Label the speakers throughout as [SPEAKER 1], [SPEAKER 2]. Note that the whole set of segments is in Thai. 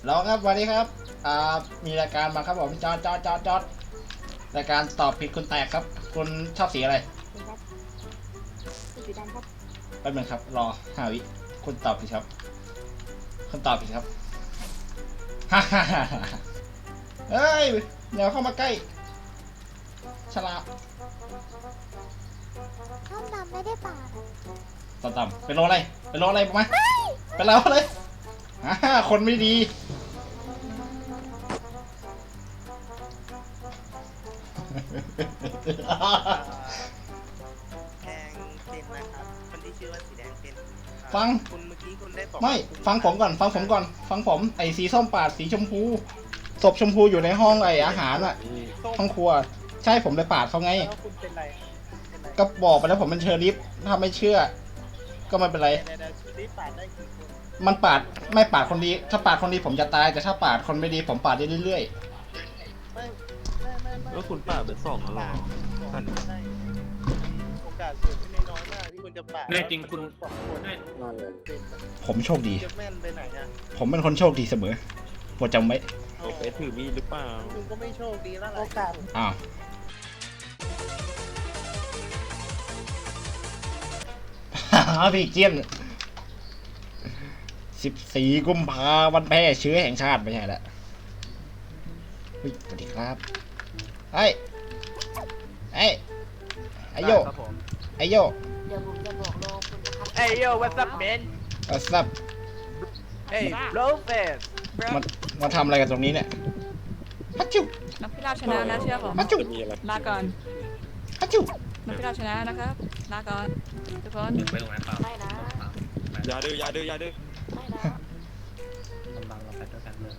[SPEAKER 1] แล้วครับวันนี้ครับมีรายการมาครับผมจอดรายการตอบผิดคุณแตกครับคุณชอบสีอะไร
[SPEAKER 2] ครับสีดำครับ
[SPEAKER 1] แป๊บนึงครับรอ5 วิคุณตอบผิดครับคุณตอบผิดครับฮ่าฮ่าฮ่าเฮ้ยเดี๋ยวเข้ามาใกล้ฉลาด
[SPEAKER 2] ข้าวดำไม่ได้ปาด
[SPEAKER 1] ต่ำเป็นโลอะไรเป็นโลอะไรมาเป็นโลอะไรคนไม่ดี
[SPEAKER 3] แดงเป็นนะครับคนที่ชื่อว่าสีแดงเป็น
[SPEAKER 1] ฟัง
[SPEAKER 3] คุณเมื่อกี้คุณได้บอก
[SPEAKER 1] ไม่ฟังผมก่อนฟังผมไอ้สีส้มปาดสีชมพูศพชมพูอยู่ในห้องไอ้อาหารอะห้องครัวใช่ผมเลยปาดเขาไง
[SPEAKER 3] แล้วคุณเป็นไร
[SPEAKER 1] ก็บอกไปแล้วผมเป็นเชอริฟถ้าไม่เชื่อก็ไม่เป็นไร
[SPEAKER 3] รีบปาดได้กี่คน
[SPEAKER 1] มันปาดไม่ปาดคนดีถ้าปาดคนดีผมจะตายแต่ถ้าปาดคนไม่ดีผมปาดได้เรื่อย
[SPEAKER 3] ไม่
[SPEAKER 4] แล้วคุณป่าเป็น2แล้วหรอท่าน
[SPEAKER 3] โอกาสเกิดขึ้นน้อยมากที่คุณจะปาด
[SPEAKER 4] แน่จริงคุณ
[SPEAKER 1] ๆผมโชคดี
[SPEAKER 3] จะแม่นไปไหนอ่ะ
[SPEAKER 1] ผมเป็นคนโชคดีเสมอโปรดจำไว้
[SPEAKER 4] ไปถือมีดหรือเปล่า
[SPEAKER 3] คุณก็ไม่โชคดีแล้วโอกาส
[SPEAKER 1] อ้าวพี่เจียน14 กุมภาวันแพร่เชื้อแห่งชาติไม่ใช่ละสวัสดีครับไอ้โยไอ้โย
[SPEAKER 2] เดี๋ยวผมจะบอกโลคุณนะครับ
[SPEAKER 5] Hey yo, what's up, man?
[SPEAKER 1] ซับ
[SPEAKER 5] Hey, blow fast,
[SPEAKER 1] มาทำอะไรกันตรงนี้เนี่ยฮัจจุ
[SPEAKER 6] นักพิราบชนะนะเชื่อผม
[SPEAKER 1] ฮัจจุ
[SPEAKER 6] ลาก่อน
[SPEAKER 1] ฮัจจุ
[SPEAKER 6] นักพิราบชนะนะครับลาก่อนทุกคน
[SPEAKER 4] ไปตรงนั้นเปล่า
[SPEAKER 2] ไม่นะ
[SPEAKER 4] อย่าดื้ออย่าดื้ออย่าดื้อ
[SPEAKER 2] ไม่นะ
[SPEAKER 4] บังเราไปด้วยกันเลย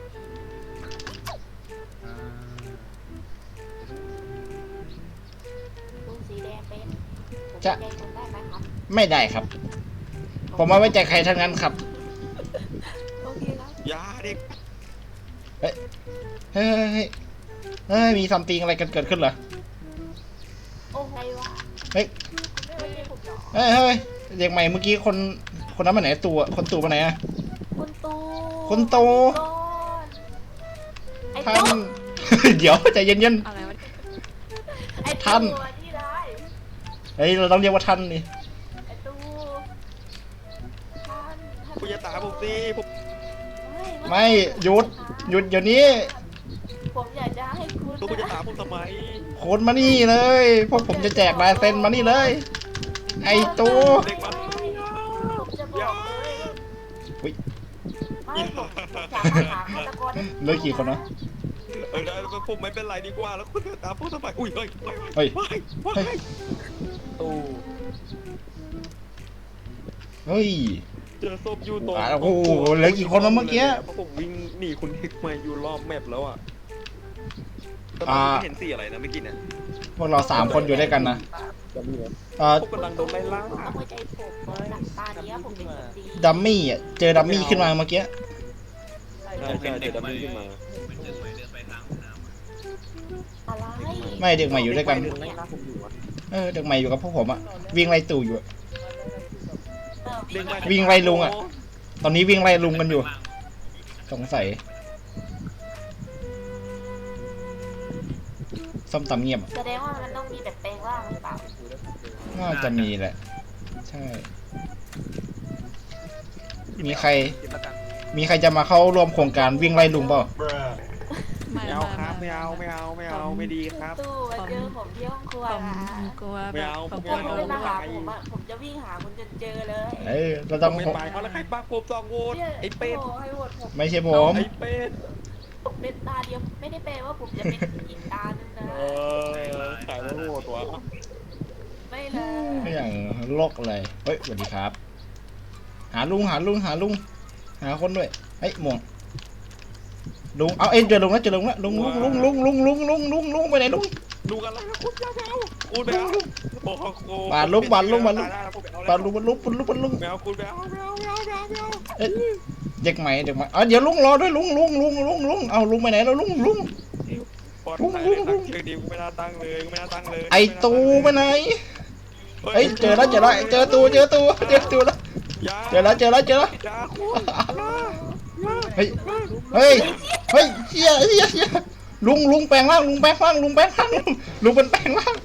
[SPEAKER 2] คุณสีแดงเป็นผมใจคุณได้ไหมครับ
[SPEAKER 1] ไม่ได้ครับ ผมไม่ไว้ใจใครทั้งนั้นครับ
[SPEAKER 2] โอเคครับ
[SPEAKER 4] อย่าเด็ก
[SPEAKER 1] เฮ้ยมีซัมติงอะไรกันเกิดขึ้นเหรอ
[SPEAKER 2] โอ้ไงวะ
[SPEAKER 1] เฮ้ย
[SPEAKER 2] ไม่ใช่ผมหรอ
[SPEAKER 1] เฮ้ยเด็กใหม่เมื่อกี้คนนั้นมาไหนคนตู่มาไหนอะ
[SPEAKER 2] คุณตู
[SPEAKER 1] คุณตู
[SPEAKER 2] ไอ้
[SPEAKER 1] ท่า
[SPEAKER 2] ตู
[SPEAKER 1] น เดี๋ยวใจเย็น
[SPEAKER 6] อะไรวะ
[SPEAKER 2] ไอ้
[SPEAKER 1] ท่าน
[SPEAKER 2] ตูที่ได้
[SPEAKER 1] ๆเฮ้ยเราต้องเรียกว่าท่านนี่
[SPEAKER 2] ไอ้ตูท่าน
[SPEAKER 4] คุณอย่าตามผมสิผม
[SPEAKER 1] ไม่หยุดเดี๋ยวนี้
[SPEAKER 2] ผมอยากจะให้คุณ
[SPEAKER 4] คุณจะตามผมทำไม
[SPEAKER 1] โคนมานี่เลยพวกผมจะแจกลายเซ็นมานี่เลย ไอ้ตู
[SPEAKER 4] เด็กมัน
[SPEAKER 2] ผมจะบอกเลย
[SPEAKER 1] อุ๊ย
[SPEAKER 2] ไม่ผมสามารถหาฆาตกรได้
[SPEAKER 1] เหลยกี่คนนะ
[SPEAKER 4] ผมไม่เป็นไรดีกว่าแล้วคุณจะตามผมทำไมอุ้ยเฮ้ย
[SPEAKER 1] เฮ้ย
[SPEAKER 4] ตู้
[SPEAKER 1] เฮ้ย
[SPEAKER 4] เจอศพอยู่ตรง
[SPEAKER 1] โอ้โหเหลือกี่คนแล้วเมื่อกี้
[SPEAKER 4] ผมวิ่งหนีคุณเฮกมาอยู่รอบแมปแล้วอ่ะแต่ไม่เห็นสีอะไรนะเมื่อกี้เนี่ย
[SPEAKER 1] พวกเรา3 คนอยู่ด้วยกันนะ
[SPEAKER 4] ผมกำลังโดนไล่ล่า
[SPEAKER 2] ต้องหัวใจผมหลังตาเนี้ยผมเป็นคนดี
[SPEAKER 1] ดัมมี่อ่ะเจอดัมมี่ขึ้นมาเมื่อกี้
[SPEAKER 4] ใช่เจอดัมมี่ขึ้นมา
[SPEAKER 2] อะไร
[SPEAKER 1] ไม่เด็กใหม่อยู่ด้วยกัน
[SPEAKER 4] ไล่ล่าผมอยู่อะ
[SPEAKER 1] เด็กใหม่อยู่กับพวกผมอะวิ่งไล่ตู่อยู่อะ
[SPEAKER 4] เด็กใหม่
[SPEAKER 1] วิ่งไล่ลุงอะ ตอนนี้วิ่งไล่ลุงกันอยู่สงสัยส้มตำเงียบ
[SPEAKER 2] แสดงว่ามันต้องมีแบบแปลงร่างหรือเปล่า
[SPEAKER 1] น่าจะมีแหละใช่มีใครจะมาเข้าร่วมโครงการวิ่งไล่ลุงเปล่า
[SPEAKER 6] ไม่
[SPEAKER 4] ไม่เอาครับไม่เอาไม่ดีครับ
[SPEAKER 2] ตู้มาเจอผมที่ห้องครัว
[SPEAKER 6] ผม
[SPEAKER 2] นะ
[SPEAKER 6] กลัว
[SPEAKER 4] ไม่เอา
[SPEAKER 6] ผม
[SPEAKER 2] ถ้าก
[SPEAKER 6] ลัว
[SPEAKER 2] คุณ
[SPEAKER 6] โด
[SPEAKER 2] ไม่
[SPEAKER 6] น
[SPEAKER 2] มาหาผมอะผมจะวิ่งหาคุณจนเจอเลย
[SPEAKER 1] เราต้อง
[SPEAKER 4] ไม่ไปเอาแล้วใครปักผม2 โหวตไอ้เป็ด
[SPEAKER 2] โให้โหวตผม
[SPEAKER 1] ไม่ใช่ผม
[SPEAKER 4] ไอ้เป็ด
[SPEAKER 2] ผมเป็นตาเดียวไม่ได้แปลว่าผมจะเป็นอีกตาหนึงนะ
[SPEAKER 4] ขายแล้วโหวตวะ
[SPEAKER 2] ไม่เลย
[SPEAKER 1] ไม่อย่างโลกเลยเฮ้ยสวัสดีครับ หาลุงหาคนด้วยเฮ้ยม่วงลุงเอาเจอลุงแล้วลุงไปไหนลุง
[SPEAKER 4] ลุงอะไรนะคุณยาไม่เอาคุณไม่เอาโอ้โห
[SPEAKER 1] บาดลุง
[SPEAKER 4] ไม่เอาคุณไม่เอา
[SPEAKER 1] เด็กใหม่เดี๋ยวลุงรอด้วยลุงเอาลุงไปไหนแล้วลุง
[SPEAKER 4] ปลอดภัยเลยตั้งชื่อดีกูไม่น่าตั้งเลย
[SPEAKER 1] ไอตูไปไหนเฮ้ยเจอแล้วเจอตูแล้วเจอแล้ว
[SPEAKER 4] ยา
[SPEAKER 1] เจอแล้ว
[SPEAKER 4] ยาคุณ
[SPEAKER 1] เฮ้ย
[SPEAKER 4] ลุ
[SPEAKER 1] เฮ้ยเฮ้ยเชี่ยลุงแปลงร่างลุงเป็นแปลงร่าง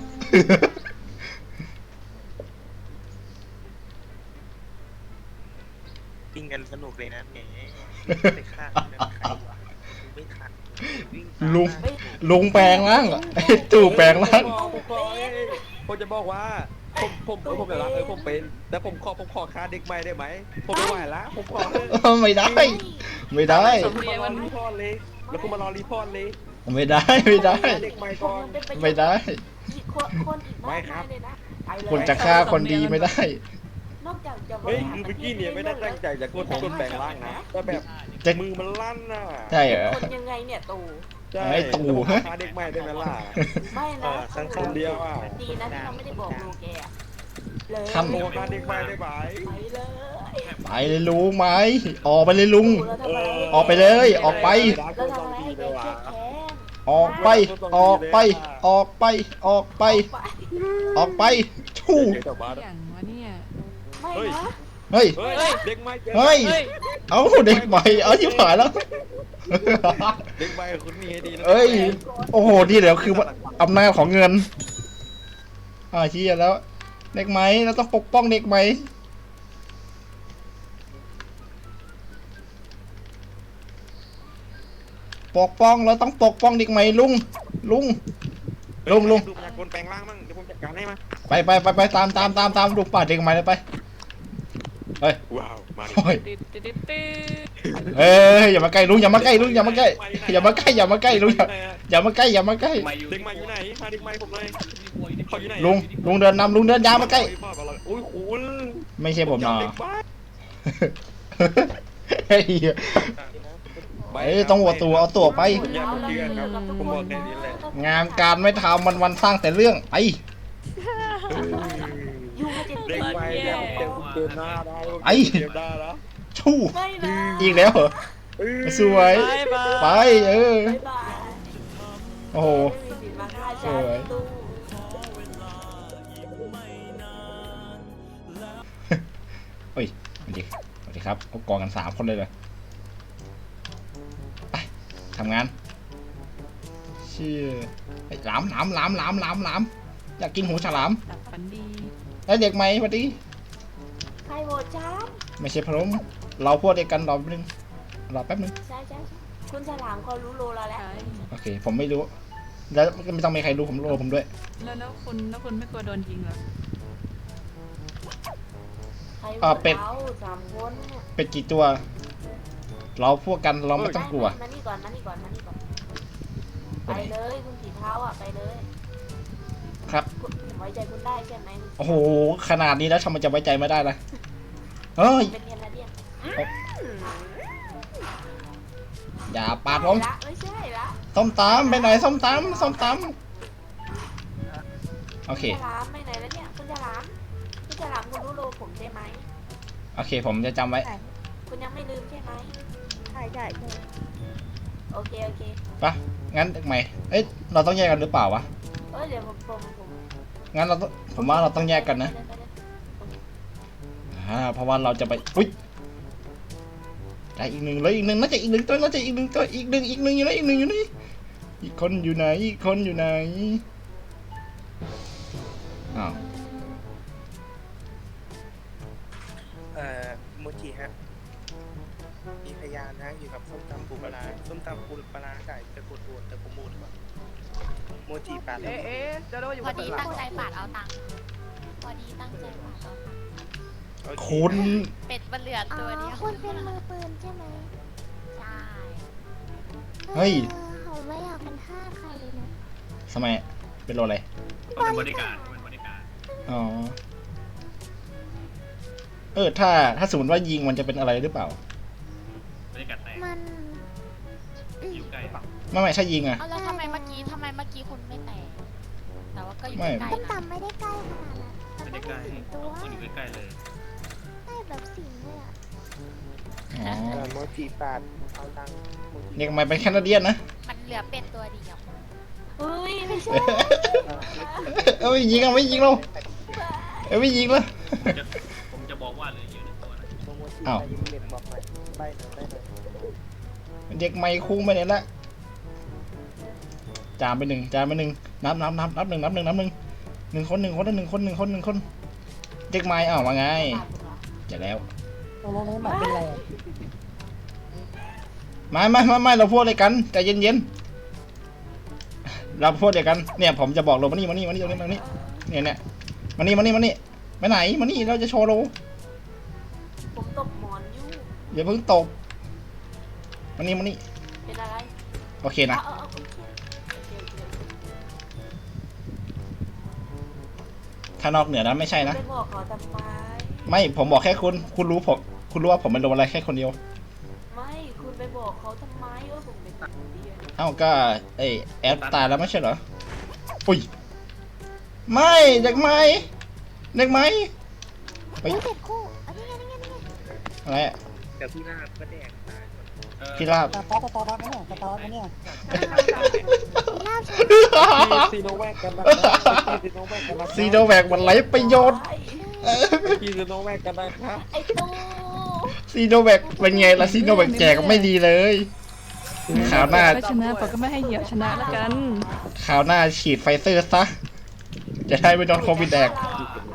[SPEAKER 3] วิ่งกันสนุกเลยนะแหมไปฆ่าใครวะไม่ทันวิ่ง
[SPEAKER 1] ลุงแปลงร่างไอ้ตู่แปลงร่าง
[SPEAKER 4] ผมจะบอกว่าผมจะรักผมเป็นแต่ผมขอค่าเด็กใหม่ได้ไหมผมไม่ไหวละผมขอ
[SPEAKER 1] ไม่ได้
[SPEAKER 6] สมเรียน
[SPEAKER 4] มา
[SPEAKER 6] วัน
[SPEAKER 4] รีพอร์ตเลยแล้วกูมารอรีพอร์ตเลย
[SPEAKER 1] ไม่ได้
[SPEAKER 4] เด็กใหม่ก่อน
[SPEAKER 1] ไม่ได้
[SPEAKER 2] อีกคนอีกมากมายเลยนะไปเลย
[SPEAKER 1] คนจะฆ่าคนดีไม่ได้
[SPEAKER 2] นอกจากจะ
[SPEAKER 4] เฮ้ยคือเมื่อกี้เนี่ยไม่ได้ตั้งใจจะกดแปลงร่างนะแต่แบบ
[SPEAKER 1] จะ
[SPEAKER 4] มือมันลั่นน่ะ
[SPEAKER 1] ใช่เหรอ
[SPEAKER 2] คนยังไงเนี่ยตู่
[SPEAKER 1] ไอ้ตู่ฮะ
[SPEAKER 4] ค่าเด็กใหม่ได้ไหมล่ะ
[SPEAKER 2] ไม่นะ
[SPEAKER 4] คนเดียวอ่ะ
[SPEAKER 2] ดีนะที่เราไม่ได้บอกลูกแกอะเลย
[SPEAKER 1] ทำ
[SPEAKER 4] โอ้ค่าเด็กใหม่ได้ไหม
[SPEAKER 2] ไปเลย
[SPEAKER 1] ไปเลยลุงไหมออกไปเลยลุง
[SPEAKER 2] แล้วทำไม
[SPEAKER 1] ออกไปเลยออกไป
[SPEAKER 2] แล้วทำไมให้แกเครียดแค้น
[SPEAKER 1] ออกไปชู่
[SPEAKER 4] เดี๋ยวบ้าน
[SPEAKER 6] อย่างวะเนี่ย
[SPEAKER 2] ไม่นะ
[SPEAKER 1] เฮ้ย
[SPEAKER 4] เฮ้ยเด็กใหม่
[SPEAKER 1] เฮ้ยเอาเด็กใหม่เอาชิบหายแล้ว
[SPEAKER 4] เด็กใหม่คุณมีให้ดีนะ
[SPEAKER 1] เอ้ยโอ้โหนี่เดี๋ยวคืออำนาจของเงินเชี่ยแล้วเด็กไหมเราต้องปกป้องเด็กไหมปกป้องเราต้องปกป้องเด็กไหมลุง
[SPEAKER 4] ดูพยากรแปลงร่างมั่งเดี๋ยวผมจัดการให้มา
[SPEAKER 1] ไปตามลูกป่าเด็กไหมเลยไปเฮ้ย
[SPEAKER 4] ว้าวมาดิ
[SPEAKER 1] โอ้ย
[SPEAKER 6] ติด
[SPEAKER 1] เอ้ยอย่ามาใกล้ลุงอย่ามาใกล้ลุงอย่ามาใกล้ลุงอย่ามาใกล้อย่ามาใกล้
[SPEAKER 4] เด็กใหม่อยู่ไหนพาเด็กใหม่ผมเลยเขาอยู่ไหน
[SPEAKER 1] ลุงเดินนำลุงเดินยาวมาใกล้
[SPEAKER 4] โอ้ยคุณ
[SPEAKER 1] ไม่ใช่ผมเนาะ
[SPEAKER 4] เด็กบ้า
[SPEAKER 1] เฮ้ยต้องหัวตัวเอาตัวไป
[SPEAKER 4] ผมอยากเชื่อครับผมบอกแค่นี้แหละ
[SPEAKER 1] งานการไม่ทำวันสร้างแต่เรื่องไป
[SPEAKER 2] ยูมาเจ็ด
[SPEAKER 4] เด็กใหม่เนี่ยเดินหน้าได้
[SPEAKER 1] ไอ้
[SPEAKER 4] เดินได้แล้ว
[SPEAKER 1] ชู่
[SPEAKER 2] ไม่นะ
[SPEAKER 1] อีกแล้วเหรอสวยไป
[SPEAKER 2] บ๊ายบาย
[SPEAKER 1] โอ้โห
[SPEAKER 2] ไม่มีสิทธิ์มาฆ่าฉันตู้
[SPEAKER 1] เฮ้ยสวัสดีครับเอากองกัน3 คนเลยไปทำงานเชี่ยหลามอยากกินหูฉลาม
[SPEAKER 6] หลับฝันดี
[SPEAKER 1] แล้วเด็กไหมสวัสดี
[SPEAKER 2] ใครโหวตจ้า
[SPEAKER 1] ไม่ใช่พร้อมเราพวกเดียวกันรอแป๊บนึง
[SPEAKER 2] ใช่คุณฉลามเขารู้โลเราแล้ว
[SPEAKER 6] ใช่
[SPEAKER 1] โอเคผมไม่รู้แล้วไม่ต้องมีใครรู้ผมรู้ผมด้วย
[SPEAKER 6] แล้วคุณไม่กลัวโดนยิงเหรอ
[SPEAKER 2] ใครโหวตเรา3 คนเนี่ย
[SPEAKER 1] เป็ดกี่ตัว เราพวกกันเราไม่ต้องกลัว
[SPEAKER 2] มานี่ก่อนไปเลยคุณผีเท้าอ่ะไปเลย
[SPEAKER 1] ครับ
[SPEAKER 2] คุณไว้ใจคุณได้ใช่ไหม
[SPEAKER 1] โอ้โหขนาดนี้แล้วทำไมจะไว้ใจไม่ได้ล่ะเฮ้ย
[SPEAKER 2] เป็นแคนาเดียน
[SPEAKER 1] อย่าปาดผม
[SPEAKER 2] ไม่ใช่ละ
[SPEAKER 1] ส้มตำไปไหนส้มตำโอเค
[SPEAKER 2] ฉลามไปไหนแล้วเนี่ยคุณฉลามคุณรู้โลผมใช่ไหม
[SPEAKER 1] โอเคผมจะจำไว้
[SPEAKER 2] คุณยังไม่ลืมใช่ไหมใช่โอเค
[SPEAKER 1] ปะงั้นเด็กใหม่เอ้ยเราต้องแยกกันหรือเปล่าวะ
[SPEAKER 2] เดี๋ยวผม
[SPEAKER 1] งั้นผมว่าเราต้องแยกกันนะเพราะว่าเราจะไปอุ้ยได้อีกหนึ่งน่าจะอีกหนึ่งตัวอีกหนึ่งอยู่ไหนอีกคนอยู่ไหนอ้าว
[SPEAKER 3] โมจิฮะมีพยานนะอยู่กับส้มตำปูปลาไก่ตะกุดโวนตะกุมูดก่อนโมจิปาด
[SPEAKER 5] เอ๊ะจะรู้อยู่
[SPEAKER 7] พอ
[SPEAKER 5] ข้าง
[SPEAKER 7] ดี
[SPEAKER 5] หลั
[SPEAKER 7] ตั้
[SPEAKER 5] ง
[SPEAKER 7] งใจปาดเอาตังค์พอดีตั้งใจปาดเอาตังค์
[SPEAKER 1] คุณ
[SPEAKER 7] เป็ดมันเหลือตัวเดียว
[SPEAKER 8] คุณเป็นมือปืนใช่ไหม
[SPEAKER 7] ใช่
[SPEAKER 1] เฮ้ย
[SPEAKER 8] เขาไม่อยากเป็นทาสใครเลยนะ
[SPEAKER 1] ทำไมเป็นโรอะไร
[SPEAKER 8] บริการ
[SPEAKER 1] อ๋อถ้าสมมติว่ายิงมันจะเป็นอะไรหรือเปล่า
[SPEAKER 8] มัน
[SPEAKER 1] ไม่ใช่ยิงอะ
[SPEAKER 7] เอาแล้วทำไมเมื่อกี้คุณไม่แตกแต่ว่าก็อยู่
[SPEAKER 1] ไม่
[SPEAKER 7] ใกล้
[SPEAKER 8] ต้ม
[SPEAKER 7] ๆนะ
[SPEAKER 8] ตำไม่ได้ใกล้ขนาดนั้นมันไม่ได้สิงตัวใกล้แบบสิงเลยอ่ะ
[SPEAKER 1] อ๋อ
[SPEAKER 3] โมจิปาดเอาตังค์โมจิ
[SPEAKER 1] เด็กใหม่เป็นแคนาเดียนนะ
[SPEAKER 7] มันเหลือเป็ดตัวเดียว
[SPEAKER 2] เฮ้ยไม่ใช่
[SPEAKER 1] ไม่ยิงเราไม่ยิงแล้ว
[SPEAKER 3] โมจิ
[SPEAKER 1] อ้าว
[SPEAKER 3] ยิงเด็กบอกหน่อยใบหน่อย
[SPEAKER 1] เด็กไม่คุ้งไปไหนละจามไปหนึ่งนับหนึ่งหนึ่งคนเด็กไม่อ้าวว่าไงจะแล้วไม่เราพูดอะไรกันใจเย็นๆเราพูดอะไรกันเนี่ยผมจะบอกเรามานี่เนี่ยมานี่ไปไหนมานี่เราจะโชว์เรา
[SPEAKER 2] ผมตบหมอนอยู่
[SPEAKER 1] อย่าเพิ่งตบมานี่
[SPEAKER 2] เป็นอะไร
[SPEAKER 1] โอเคนะ
[SPEAKER 2] เอาโอเค
[SPEAKER 1] ถ้านอกเหนือนั้นไม่ใช่นะ
[SPEAKER 2] ไปบอกเขาทำไม
[SPEAKER 1] ไม่ผมบอกแค่คุณรู้ว่าผมเป็นโดนอะไรแค่คนเดียว
[SPEAKER 2] ไม่คุณไปบอกเขาทำไมผมเป็นคนเดียว
[SPEAKER 1] เอ้าก็ไอแอดตายแล้วไม่ใช่เหรออุ้ยไม่เด็กไหมเฮ้ย
[SPEAKER 2] เด็กคู่อันนี้ไง
[SPEAKER 1] อะไรอะ
[SPEAKER 3] เดี๋ยวพี่ลาบก็แดกตายหมด
[SPEAKER 1] พี่ลาบ
[SPEAKER 4] ซีโนแวคกันนะครับซีโนแวคกันนะครับ
[SPEAKER 1] ซีโนแวคมันไร้ประโยชน์
[SPEAKER 4] ซีโนแวคกันนะครับ
[SPEAKER 2] ไอ้ตู้
[SPEAKER 1] ซีโนแวคเป็นไงล่ะซีโนแวคแจกไม่ดีเลยข่าวหน้า
[SPEAKER 6] ก็ชนะปอก็ไม่ให้เหยียบชนะแล้วกัน
[SPEAKER 1] ข่าวหน้าฉีดไฟเซอร์ซะจะได้ไม่โดนโควิดแดก
[SPEAKER 2] เ